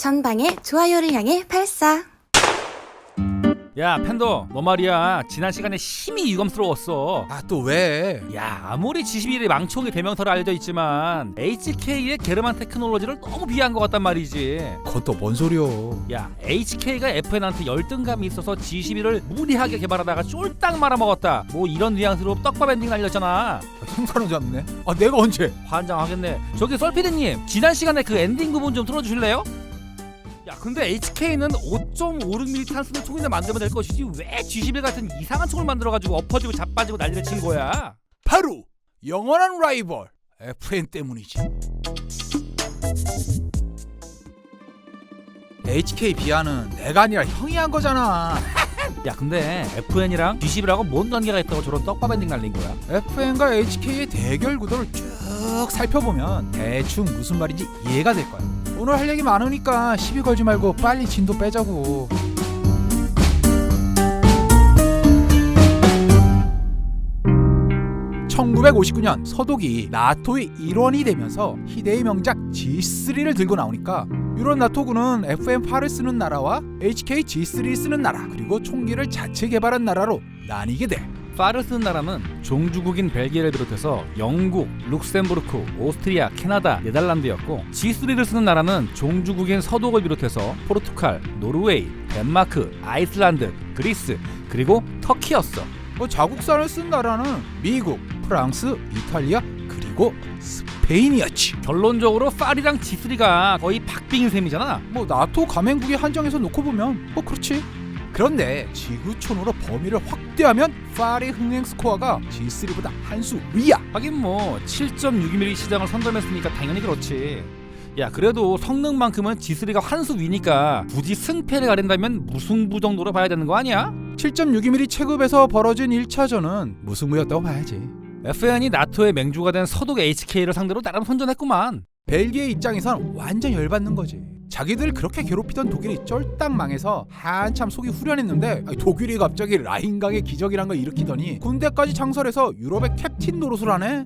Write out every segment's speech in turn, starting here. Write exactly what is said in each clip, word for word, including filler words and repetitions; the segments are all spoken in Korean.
전방에 좋아요를 향해 발사. 야 팬더, 너 말이야 지난 시간에 심히 유감스러웠어. 아 또 왜? 야 아무리 지십일의 망초의 대명사로 알려져 있지만 에이치케이의 게르만 테크놀로지를 너무 비하한 것 같단 말이지. 그건 또 뭔 소리여? 야 에이치케이가 에프엔한테 열등감이 있어서 지십일을 무리하게 개발하다가 쫄딱 말아먹었다, 뭐 이런 뉘앙스로 떡밥 엔딩 날렸잖아. 형사는 잡네. 아 내가 언제? 환장하겠네. 저기 썰피디님, 지난 시간에 그 엔딩 부분 좀 틀어주실래요? 야 근데 에이치케이는 오 점 오육 밀리미터 탄수는 총이나 만들면 될 것이지 왜 지십일 같은 이상한 총을 만들어가지고 엎어지고 자빠지고 난리를 친 거야? 바로 영원한 라이벌 에프엔 때문이지. 에이치케이 비하는 내가 아니라 형이 한 거잖아. 야 근데 에프엔이랑 지십일하고 뭔 관계가 있다고 저런 떡밥 엔딩 날린 거야? 에프엔과 에이치케이의 대결 구도를 쭉 살펴보면 대충 무슨 말인지 이해가 될 거야. 오늘 할 얘기 많으니까 시비 걸지 말고 빨리 진도 빼자고. 천구백오십구 년 서독이 나토의 일원이 되면서 희대의 명작 지 쓰리를 들고 나오니까 유럽 나토군은 에프엔 팔을 쓰는 나라와 에이치케이 지 쓰리를 쓰는 나라, 그리고 총기를 자체 개발한 나라로 나뉘게 돼. 파를 쓰는 나라는 종주국인 벨기에를 비롯해서 영국, 룩셈부르크, 오스트리아, 캐나다, 네덜란드였고, 지 쓰리를 쓰는 나라는 종주국인 서독을 비롯해서 포르투갈, 노르웨이, 덴마크, 아이슬란드, 그리스, 그리고 터키였어. 뭐 자국산을 쓴 나라는 미국, 프랑스, 이탈리아, 그리고 스페인이었지. 결론적으로 파리랑 지 쓰리가 거의 박빙인 셈이잖아. 뭐 나토 가맹국의 한정에서 놓고 보면 뭐 그렇지. 그런데 지구촌으로 범위를 확대하면 파리 흥행 스코어가 지 쓰리보다 한 수 위야. 하긴 뭐 칠 점 육이 밀리미터 시장을 선점했으니까 당연히 그렇지. 야 그래도 성능만큼은 지 쓰리가 한 수 위니까 굳이 승패를 가린다면 무승부 정도로 봐야 되는 거 아니야? 칠 점 육이 밀리미터 체급에서 벌어진 일 차전은 무승부였다고 봐야지. 에프엔이 나토의 맹주가 된 서독 에이치케이를 상대로 나름 선전했구만. 벨기에 입장에선 완전 열받는 거지. 자기들 그렇게 괴롭히던 독일이 쫄딱 망해서 한참 속이 후련했는데 독일이 갑자기 라인강의 기적이란 걸 일으키더니 군대까지 창설해서 유럽의 캡틴 노릇을 하네.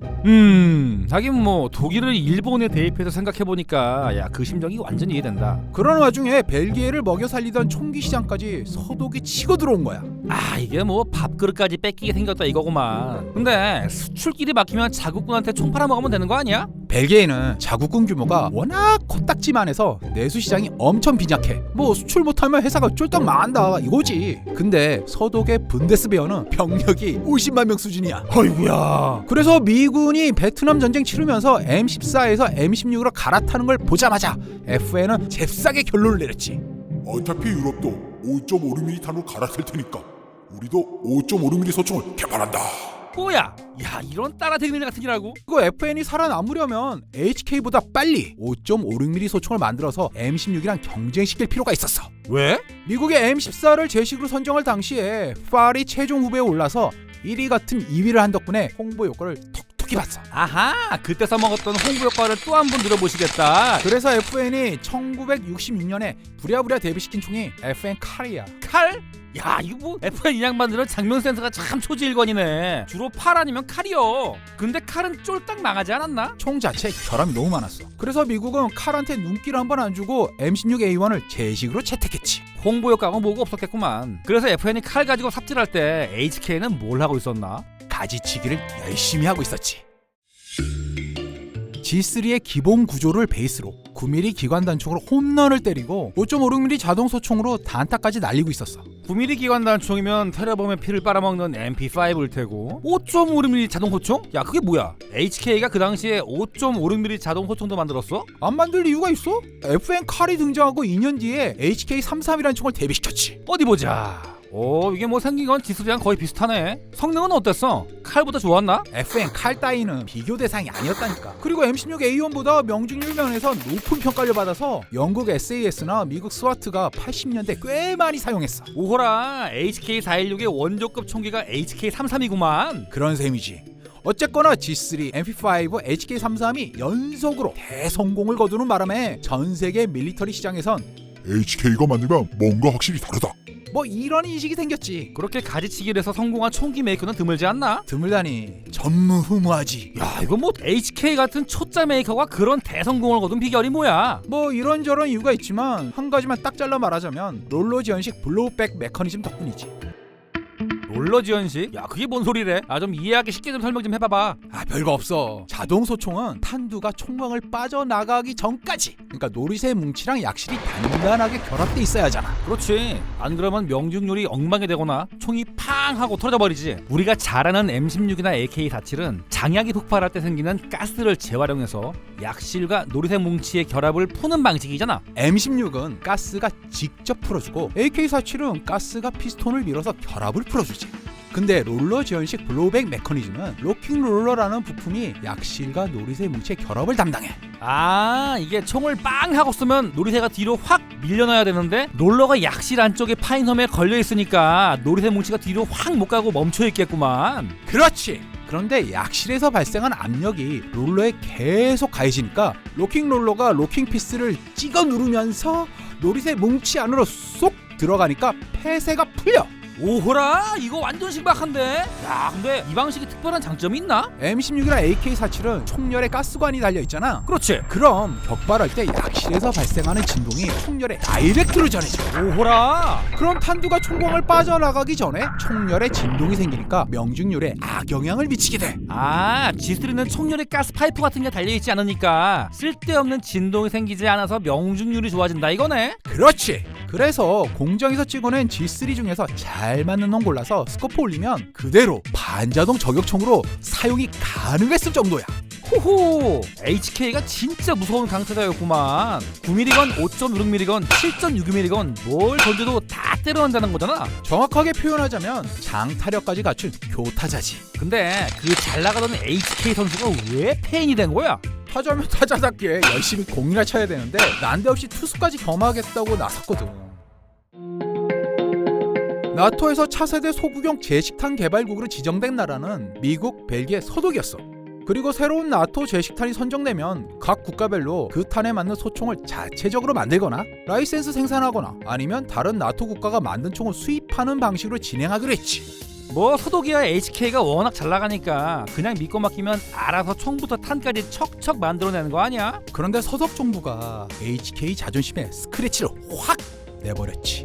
음 하긴 뭐 독일을 일본에 대입해서 생각해보니까 야 그 심정이 완전히 이해된다. 그런 와중에 벨기에를 먹여 살리던 총기 시장까지 서독이 치고 들어온 거야. 아 이게 뭐 밥그릇까지 뺏기게 생겼다 이거구만. 근데 수출길이 막히면 자국군한테 총 팔아먹으면 되는 거 아니야? 벨기에는 자국군 규모가 워낙 코딱지만해서 내수 시장이 엄청 빈약해. 뭐 수출 못하면 회사가 쫄딱 망한다 이거지. 근데 서독의 분데스베어는 병력이 오십만 명 수준이야. 어이구야. 그래서 미군이 베트남 전쟁 치르면서 엠 십사에서 엠 십육으로 갈아타는 걸 보자마자 에프엔은 잽싸게 결론을 내렸지. 어차피 유럽도 오 점 오육 밀리미터 탄으로 갈아탈 테니까 우리도 오 점 오육 밀리미터 소총을 개발한다. 뭐야? 야 이런 따라댕일 같은 일하고? 이거 에프엔이 살아남으려면 에이치케이보다 빨리 오 점 오육 밀리미터 소총을 만들어서 엠 십육이랑 경쟁시킬 필요가 있었어. 왜? 미국의 엠 십사를 제식으로 선정할 당시에 파리 최종 후보에 올라서 일 위 같은 이 위를 한 덕분에 홍보 효과를 톡톡히 봤어. 아하, 그때 써먹었던 홍보 효과를 또 한 번 들어보시겠다. 그래서 에프엔이 천구백육십육 년에 부랴부랴 데뷔시킨 총이 에프엔 칼이야. 칼? 야 이거 뭐 에프엔 이 양반들은 장면 센스가 참 초지일관이네. 주로 팔 아니면 칼이요. 근데 칼은 쫄딱 망하지 않았나? 총 자체에 결함이 너무 많았어. 그래서 미국은 칼한테 눈길 한 번 안 주고 엠 십육 에이 원을 제식으로 채택했지. 홍보 효과가 뭐가 없었겠구만. 그래서 에프엔이 칼 가지고 삽질할 때 에이치케이는 뭘 하고 있었나? 가지치기를 열심히 하고 있었지. 지 쓰리의 기본 구조를 베이스로 구 밀리미터 기관 단총으로 홈런을 때리고 오 점 오육 밀리미터 자동 소총으로 단타까지 날리고 있었어. 구 밀리미터 기관 단총이면 테러범의 피를 빨아먹는 엠 피 파이브일 테고, 오 점 오육 밀리미터 자동 호총? 야 그게 뭐야? 에이치케이가 그 당시에 오 점 오육 밀리미터 자동 호총도 만들었어? 안 만들 이유가 있어? 에프엔 칼이 등장하고 이 년 뒤에 에이치케이 삼십삼이라는 총을 데뷔시켰지. 어디 보자. 오 이게 뭐 생긴 건 지스리랑 거의 비슷하네. 성능은 어땠어? 칼보다 좋았나? 에프엔 칼 따위는 비교 대상이 아니었다니까. 그리고 엠 십육 에이 원보다 명중률 면에서 높은 평가를 받아서 영국 에스에이에스나 미국 스와트가 팔십 년대 꽤 많이 사용했어. 오호라, 에이치케이 사백십육의 원조급 총기가 에이치케이 삼십삼이구만. 그런 셈이지. 어쨌거나 지 쓰리, 엠 피 파이브, 에이치케이 삼십삼이 연속으로 대성공을 거두는 바람에 전 세계 밀리터리 시장에선 에이치케이가 만들면 뭔가 확실히 다르다. 뭐 이런 인식이 생겼지. 그렇게 가지치기를 해서 성공한 총기 메이커는 드물지 않나? 드물다니 전무후무하지. 야, 이거 뭐 에이치케이 같은 초짜 메이커가 그런 대성공을 거둔 비결이 뭐야? 뭐 이런저런 이유가 있지만 한 가지만 딱 잘라 말하자면 롤러 지연식 블로우백 메커니즘 덕분이지. 롤러 지연식? 야, 그게 뭔 소리래? 아, 좀 이해하기 쉽게 좀 설명 좀 해봐봐. 아 별거 없어. 자동 소총은 탄두가 총광을 빠져나가기 전까지, 그러니까 노릿의 뭉치랑 약실이 단단하게 결합돼 있어야 하잖아. 그렇지. 안 그러면 명중률이 엉망이 되거나 총이 팡 하고 터져 버리지. 우리가 잘 아는 엠 십육이나 에이케이 사십칠은 장약이 폭발할 때 생기는 가스를 재활용해서 약실과 노릿의 뭉치의 결합을 푸는 방식이잖아. 엠 십육은 가스가 직접 풀어주고 에이케이 사십칠은 가스가 피스톤을 밀어서 결합을 풀어주지. 근데 롤러 지연식 블로우백 메커니즘은 로킹 롤러라는 부품이 약실과 노릿의 뭉치의 결합을 담당해. 아, 이게 총을 빵 하고 쏘면 노리새가 뒤로 확 밀려나야 되는데 롤러가 약실 안쪽에 파인 홈에 걸려 있으니까 노리새 뭉치가 뒤로 확 못 가고 멈춰 있겠구만. 그렇지. 그런데 약실에서 발생한 압력이 롤러에 계속 가해지니까 로킹 롤러가 로킹 피스를 찍어 누르면서 노릿의 뭉치 안으로 쏙 들어가니까 폐쇄가 풀려. 오호라, 이거 완전 신박한데? 야, 근데 이 방식이 특별한 장점이 있나? 엠 십육이나 에이케이 사십칠은 총열에 가스관이 달려있잖아. 그렇지. 그럼 격발할 때 약실에서 발생하는 진동이 총열에 다이렉트로 전해져. 오호라. 그럼 탄두가 총광을 빠져나가기 전에 총열에 진동이 생기니까 명중률에 악영향을 미치게 돼. 아, 지쓰리는 총열에 가스 파이프 같은 게 달려있지 않으니까 쓸데없는 진동이 생기지 않아서 명중률이 좋아진다 이거네? 그렇지. 그래서 공장에서 찍어낸 지 쓰리 중에서 잘 맞는 놈 골라서 스코프 올리면 그대로 반자동 저격총으로 사용이 가능했을 정도야. 호호, 에이치케이가 진짜 무서운 강타자였구만. 구 밀리건, 오 점 육 밀리건, 칠 점 육 밀리건 뭘 던져도 다 때려낸다는 거잖아. 정확하게 표현하자면 장타력까지 갖춘 교타자지. 근데 그 잘 나가던 에이치케이 선수가 왜 페인이 된 거야? 타자면 타자답게 열심히 공이나 쳐야 되는데 난데없이 투수까지 겸하겠다고 나섰거든. 나토에서 차세대 소구경 제식탄 개발국으로 지정된 나라는 미국, 벨기에, 서독이었어. 그리고 새로운 나토 제식탄이 선정되면 각 국가별로 그 탄에 맞는 소총을 자체적으로 만들거나 라이센스 생산하거나 아니면 다른 나토 국가가 만든 총을 수입하는 방식으로 진행하기로 했지. 뭐 서독이야 에이치케이가 워낙 잘 나가니까 그냥 믿고 맡기면 알아서 총부터 탄까지 척척 만들어내는 거 아니야? 그런데 서독 정부가 에이치케이 자존심에 스크래치를 확 내버렸지.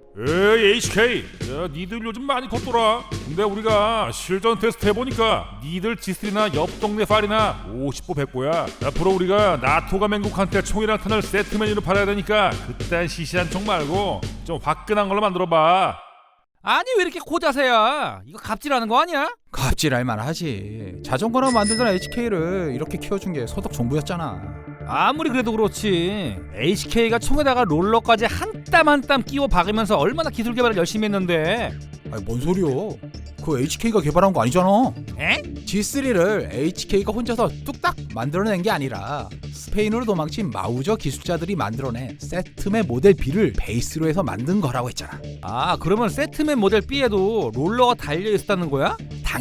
에이 에이치케이, 야 니들 요즘 많이 컸더라. 근데 우리가 실전 테스트 해보니까 니들 지쓰리나 옆 동네 파리나 오십 보 백 보야. 앞으로 우리가 나토가 맹국한테 총이랑 탄을 세트 메뉴로 팔아야 되니까 그딴 시시한 총 말고 좀 화끈한 걸로 만들어봐. 아니 왜 이렇게 고자세야? 이거 갑질하는 거 아니야? 갑질할 만하지. 자전거나 만들던 에이치케이를 이렇게 키워준 게 서독 정부였잖아. 아무리 그래도 그렇지 에이치케이가 총에다가 롤러까지 한 땀 한 땀 끼워 박으면서 얼마나 기술 개발을 열심히 했는데. 아니 뭔 소리요? 그 에이치케이가 개발한 거 아니잖아. 에? 지 쓰리를 에이치케이가 혼자서 뚝딱 만들어낸 게 아니라 스페인으로 도망친 마우저 기술자들이 만들어낸 세트맨 모델 B를 베이스로 해서 만든 거라고 했잖아. 아, 그러면 세트맨 모델 B에도 롤러가 달려있었다는 거야?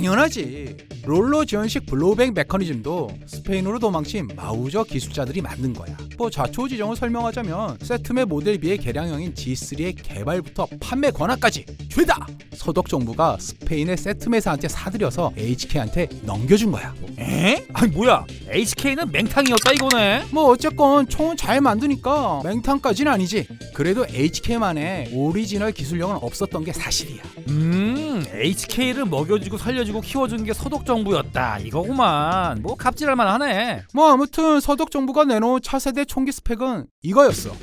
당연하지. 롤러 지연식 블로우백 메커니즘도 스페인으로 도망친 마우저 기술자들이 만든 거야. 뭐 좌초지정을 설명하자면 세트맨 모델 B의 개량형인 지 쓰리의 개발부터 판매 권한까지 죄다 서독 정부가 스페인의 세트메사한테 사들여서 에이치케이한테 넘겨준 거야. 에? 아니 뭐야, 에이치케이는 맹탕이었다 이거네? 뭐 어쨌건 총은 잘 만드니까 맹탕까지는 아니지. 그래도 에이치케이만의 오리지널 기술력은 없었던 게 사실이야. 음, 에이치케이를 먹여주고 살려주고 키워준 게 서독 정부였다 이거구만. 뭐 갑질할 만하네. 뭐 아무튼 서독 정부가 내놓은 차세대 총기 스펙은 이거였어.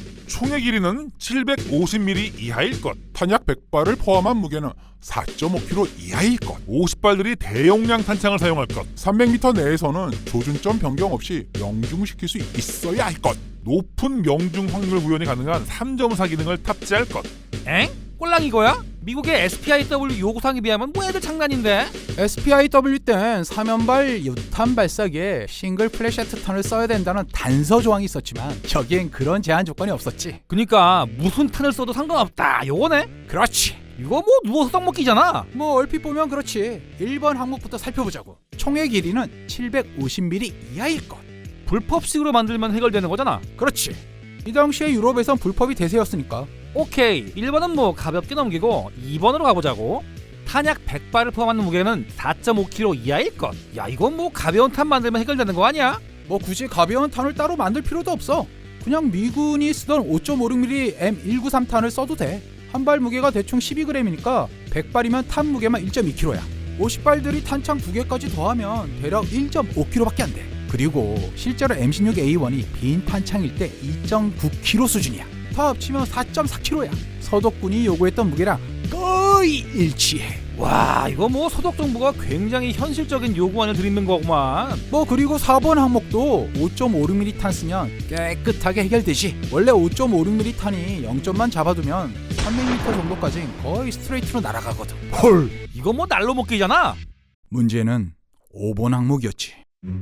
총의 길이는 칠백오십 밀리미터 이하일 것, 탄약 백 발을 포함한 무게는 사 점 오 킬로그램 이하일 것, 오십 발들이 대용량 탄창을 사용할 것, 삼백 미터 내에서는 조준점 변경 없이 명중시킬 수 있어야 할 것, 높은 명중 확률 구현이 가능한 삼 점 사 기능을 탑재할 것. 엥? 꼴랑 이거야? 미국의 에스피아이더블유 요구사항에 비하면 뭐 애들 장난인데? 에스피아이더블유 땐 사면발 유탄 발사기에 싱글 플래시트 탄을 써야 된다는 단서 조항이 있었지만 여기엔 그런 제한 조건이 없었지. 그니까 무슨 탄을 써도 상관없다 요거네? 그렇지. 이거 뭐 누워서 떡 먹기잖아. 뭐 얼핏 보면 그렇지. 일 번 항목부터 살펴보자고. 총의 길이는 칠백오십 밀리미터 이하일 것. 불법식으로 만들면 해결되는 거잖아. 그렇지. 이 당시에 유럽에선 불법이 대세였으니까 오케이, 일 번은 뭐 가볍게 넘기고 이 번으로 가보자고. 탄약 백 발을 포함한 무게는 사 점 오 킬로그램 이하일 것. 야, 이건 뭐 가벼운 탄 만들면 해결되는 거 아니야? 뭐 굳이 가벼운 탄을 따로 만들 필요도 없어. 그냥 미군이 쓰던 오 점 오육 밀리미터 엠 백십삼 탄을 써도 돼. 한 발 무게가 대충 십이 그램이니까 백 발이면 탄 무게만 일 점 이 킬로그램야. 오십 발들이 탄창 두 개까지 더하면 대략 일 점 오 킬로그램밖에 안 돼. 그리고 실제로 엠 십육 에이 원이 빈 탄창일 때 이 점 구 킬로그램 수준이야. 다 합치면 사 점 사 킬로그램야. 서독군이 요구했던 무게랑 거의 일치해. 와, 이거 뭐 서독 정부가 굉장히 현실적인 요구안을 드리는 거구만. 뭐 그리고 사 번 항목도 오 점 오육 밀리미터 탄 쓰면 깨끗하게 해결되지. 원래 오 점 오육 밀리미터 탄이 영 점만 잡아두면 삼백 미터 정도까지 거의 스트레이트로 날아가거든. 헐, 이거 뭐 날로 먹기잖아. 문제는 오 번 항목이었지.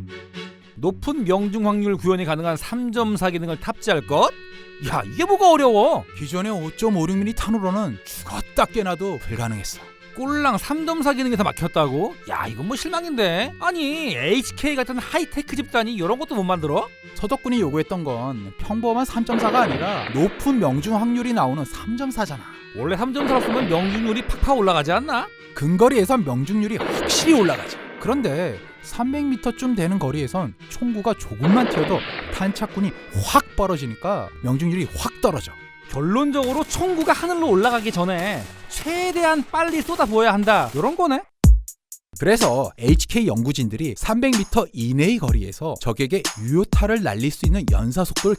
높은 명중 확률 구현이 가능한 삼 점 사 기능을 탑재할 것? 야, 이게 뭐가 어려워? 기존의 오 점 오육 밀리미터 탄으로는 죽었다 깨나도 불가능했어. 꼴랑 삼 점 사 기능에서 막혔다고? 야, 이건 뭐 실망인데. 아니, 에이치케이 같은 하이테크 집단이 이런 것도 못 만들어? 서독군이 요구했던 건 평범한 삼 점 사가 아니라 높은 명중 확률이 나오는 삼 점 사잖아. 원래 삼 점 사로 쓰면 명중률이 팍팍 올라가지 않나? 근거리에선 명중률이 확실히 올라가지. 그런데 삼백 미터쯤 되는 거리에선 총구가 조금만 튀어도 탄착군이 확 벌어지니까 명중률이 확 떨어져. 결론적으로 총구가 하늘로 올라가기 전에 최대한 빨리 쏟아부어야 한다, 이런 거네. 그래서 에이치케이 연구진들이 삼백 미터 이내의 거리에서 적에게 유효타를 날릴 수 있는 연사 속도를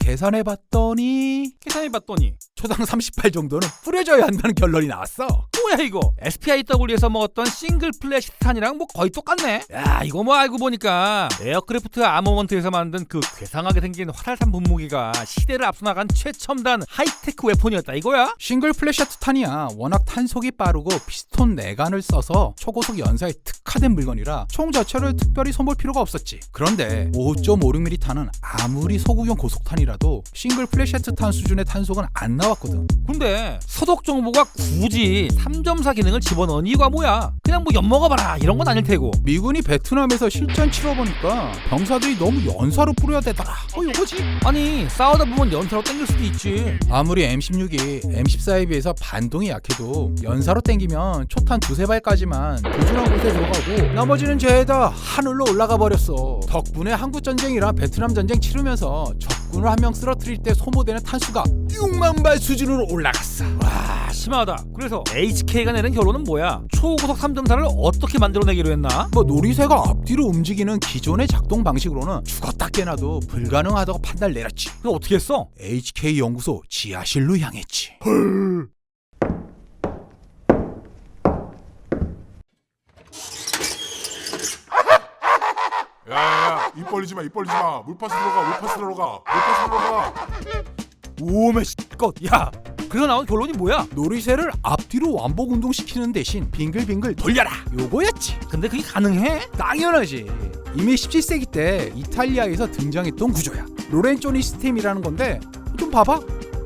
계산해봤더니 계산해봤더니 초당 삼십 발 정도는 뿌려져야 한다는 결론이 나왔어. 뭐야 이거? 에스피아이더블유에서 먹었던 싱글 플래시 탄이랑 뭐 거의 똑같네. 야, 이거 뭐 알고 보니까 에어크래프트 아머먼트에서 만든 그 괴상하게 생긴 화살탄 분무기가 시대를 앞서나간 최첨단 하이테크 웨폰이었다 이거야? 싱글 플래시트 탄이야. 워낙 탄속이 빠르고 피스톤 내관을 써서 초고속 연사에 특화된 물건이라 총 자체를 특별히 손볼 필요가 없었지. 그런데 오 점 오육 밀리미터 탄은 아무리 소구용 고속탄이라도 싱글 플래시트 탄 수준의 탄속은 안 나왔거든. 근데 서독 정부가 굳이 삼 점 사 기능을 집어넣은 이유가 뭐야? 그냥 뭐 엿먹어봐라 이런 건 아닐 테고. 미군이 베트남에서 실전 치러보니까 병사들이 너무 연사로 뿌려야 되더라. 어 이거지? 아니, 싸우다 보면 연사로 땡길 수도 있지. 아무리 엠 십육이 엠 십사에 비해서 반동이 약해도 연사로 땡기면 초탄 두세 발까지만 보준한 곳에 들어가고 나머지는 죄다 하늘로 올라가 버렸어. 덕분에 한국전쟁이랑 베트남전쟁 치르면서 적군을 한 명 쓰러뜨릴 때 소모되는 탄수가 육만 발 수준으로 올라갔어. 와, 심하다. 그래서 에이치케이가 내린 결론은 뭐야? 초고속 삼 점 사를 어떻게 만들어내기로 했나? 뭐 놀이새가 앞뒤로 움직이는 기존의 작동 방식으로는 죽었다 깨나도 불가능하다고 판단을 내렸지. 그거 어떻게 했어? 에이치케이 연구소 지하실로 향했지. 야야야, 입 벌리지 마, 입 벌리지 마. 물파스 들어가, 물파스 들어가, 물파스 들어가. 오메 씨껏. 야, 그래서 나온 결론이 뭐야? 놀이새를 앞뒤로 완복 운동시키는 대신 빙글빙글 돌려라, 요거였지. 근데 그게 가능해? 당연하지. 이미 십칠 세기 때 이탈리아에서 등장했던 구조야. 로렌조니 시스템이라는 건데 좀 봐봐.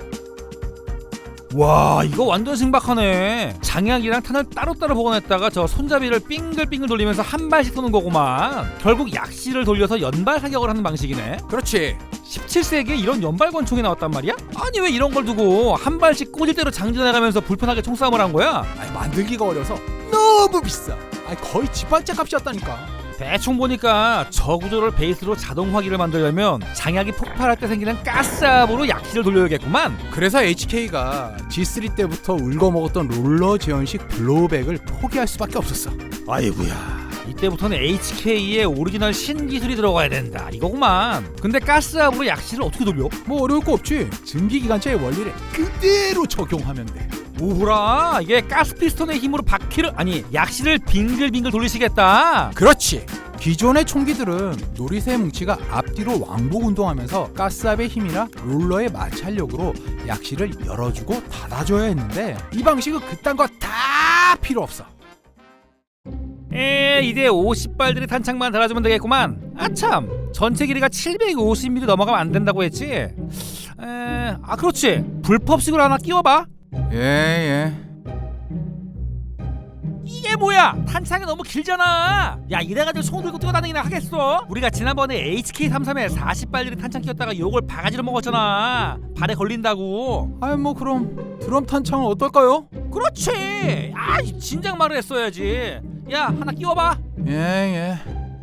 와, 이거 완전 신박하네. 장약이랑 탄을 따로따로 보관했다가 저 손잡이를 빙글빙글 돌리면서 한 발씩 쏘는 거구만. 결국 약실을 돌려서 연발 사격을 하는 방식이네. 그렇지. 십칠 세기에 이런 연발 권총이 나왔단 말이야? 아니, 왜 이런 걸 두고 한 발씩 꽂을 대로 장전해가면서 불편하게 총싸움을 한 거야? 아니, 만들기가 어려서 너무 비싸. 아니, 거의 집 한 채 값이었다니까. 대충 보니까 저 구조를 베이스로 자동 화기를 만들려면 장약이 폭발할 때 생기는 가스압으로 약실을 돌려야겠구만. 그래서 에이치케이가 지 쓰리 때부터 울거먹었던 롤러 제형식 블로우백을 포기할 수밖에 없었어. 아이고야, 이때부터는 에이치케이의 오리지널 신기술이 들어가야 된다 이거구만. 근데 가스압으로 약실을 어떻게 돌려? 뭐 어려울 거 없지. 증기기관차의 원리를 그대로 적용하면 돼. 뭐라, 이게 가스 피스톤의 힘으로 바퀴를, 아니 약실을 빙글빙글 돌리시겠다. 그렇지. 기존의 총기들은 놀이새 뭉치가 앞뒤로 왕복 운동하면서 가스압의 힘이나 롤러의 마찰력으로 약실을 열어주고 닫아줘야 했는데 이 방식은 그딴 거 다 필요 없어. 에, 이제 오십 발들이 탄창만 달아주면 되겠구만. 아참, 전체 길이가 칠백오십 밀리미터 넘어가면 안 된다고 했지? 에, 아 그렇지, 불법식으로 하나 끼워봐. 예예. 이게 이게 뭐야? 탄창이 너무 길잖아. 야 이래가지고 총 들고 뛰어다니기나 하겠어? 우리가 지난번에 에이치케이 삼십삼에 사십 발짜리 탄창 끼웠다가 요걸 바가지로 먹었잖아. 발에 걸린다고. 아이 뭐 그럼 드럼 탄창은 어떨까요? 그렇지. 아 진작 말을 했어야지. 야 하나 끼워봐. 예예.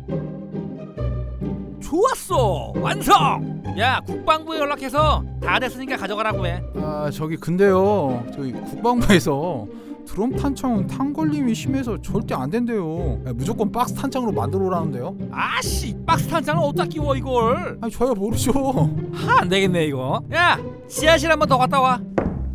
좋았어. 완성. 야 국방부에 연락해서 다 됐으니까 가져가라고 해. 아 저기 근데요, 저희 국방부에서 드럼 탄창은 탄 걸림이 심해서 절대 안 된대요. 아, 무조건 박스 탄창으로 만들어 오라는데요. 아씨 박스 탄창을 어디다 끼워 이걸. 아니 저야 모르죠. 하 안되겠네 이거. 야 지하실 한번 더 갔다 와.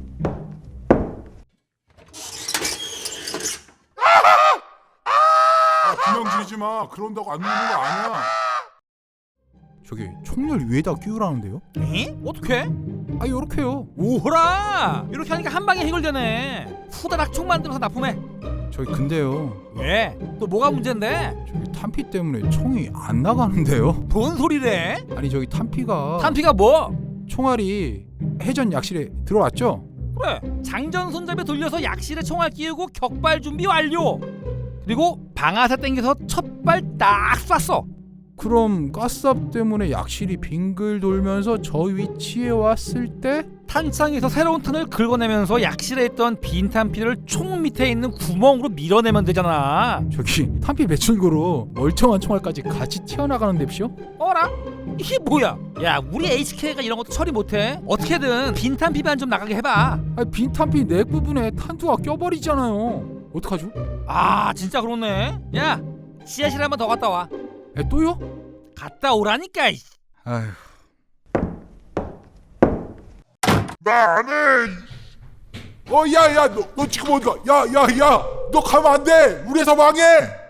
아, 그냥 지지 마. 그런다고 안 누는 거 아니야. 저기 총열 위에다 끼우라는데요? 에? 어떻게? 아 요렇게요. 오호라 이렇게 하니까 한 방에 해결되네. 후다닥 총 만들어서 납품해. 저기 근데요, 왜? 또 뭐가 문제인데? 저기 탄피 때문에 총이 안 나가는데요? 뭔 소리래? 아니 저기 탄피가 탄피가 뭐? 총알이 해전 약실에 들어왔죠? 그래 장전 손잡이 돌려서 약실에 총알 끼우고 격발 준비 완료. 그리고 방아쇠 당겨서 첫 발 딱 쐈어. 그럼 가스압 때문에 약실이 빙글 돌면서 저 위치에 왔을 때 탄창에서 새로운 탄을 긁어내면서 약실에 있던 빈 탄피를 총 밑에 있는 구멍으로 밀어내면 되잖아. 저기 탄피 배출구로 멀쩡한 총알까지 같이 튀어나가는 뎁시요? 어라? 이게 뭐야? 야 우리 에이치케이가 이런 것도 처리 못해? 어떻게든 빈 탄피만 좀 나가게 해봐. 아니 빈 탄피 넥 부분에 탄두가 껴버리잖아요. 어떡하죠? 아 진짜 그렇네. 야 지하실 한번 더 갔다 와. 에 또요? 갔다 오라니까. 이. 아휴. 나 안 해. 어, 야, 야, 너, 너 지금 어디 가? 야, 야, 야, 너 가면 안 돼. 우리 회사 망해.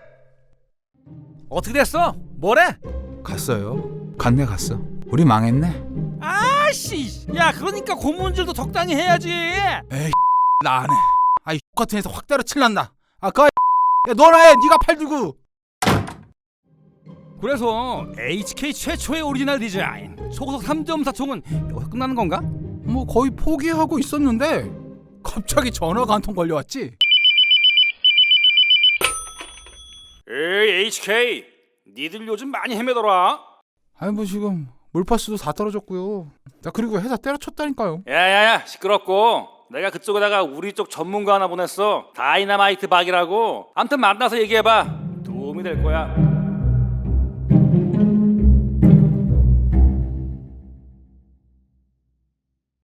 어떻게 됐어? 뭐래? 갔어요. 갔네 갔어. 우리 망했네. 아씨. 야 그러니까 고문질도 적당히 해야지. 에이 나 안 해. 아이 같은 회사 확 때려칠란다. 아 그. 야 너나 해. 네가 팔 들고. 그래서 에이치케이 최초의 오리지널 디자인 초고속 삼 점 사 총은 여기서 끝나는 건가? 뭐 거의 포기하고 있었는데 갑자기 전화가 한 통 걸려왔지. 에이 에이치케이 니들 요즘 많이 헤매더라. 아니 뭐 지금 물파스도 다 떨어졌고요. 나 그리고 회사 때려쳤다니까요. 야야야 시끄럽고 내가 그쪽에다가 우리 쪽 전문가 하나 보냈어. 다이나마이트 박이라고. 암튼 만나서 얘기해봐. 도움이 될 거야.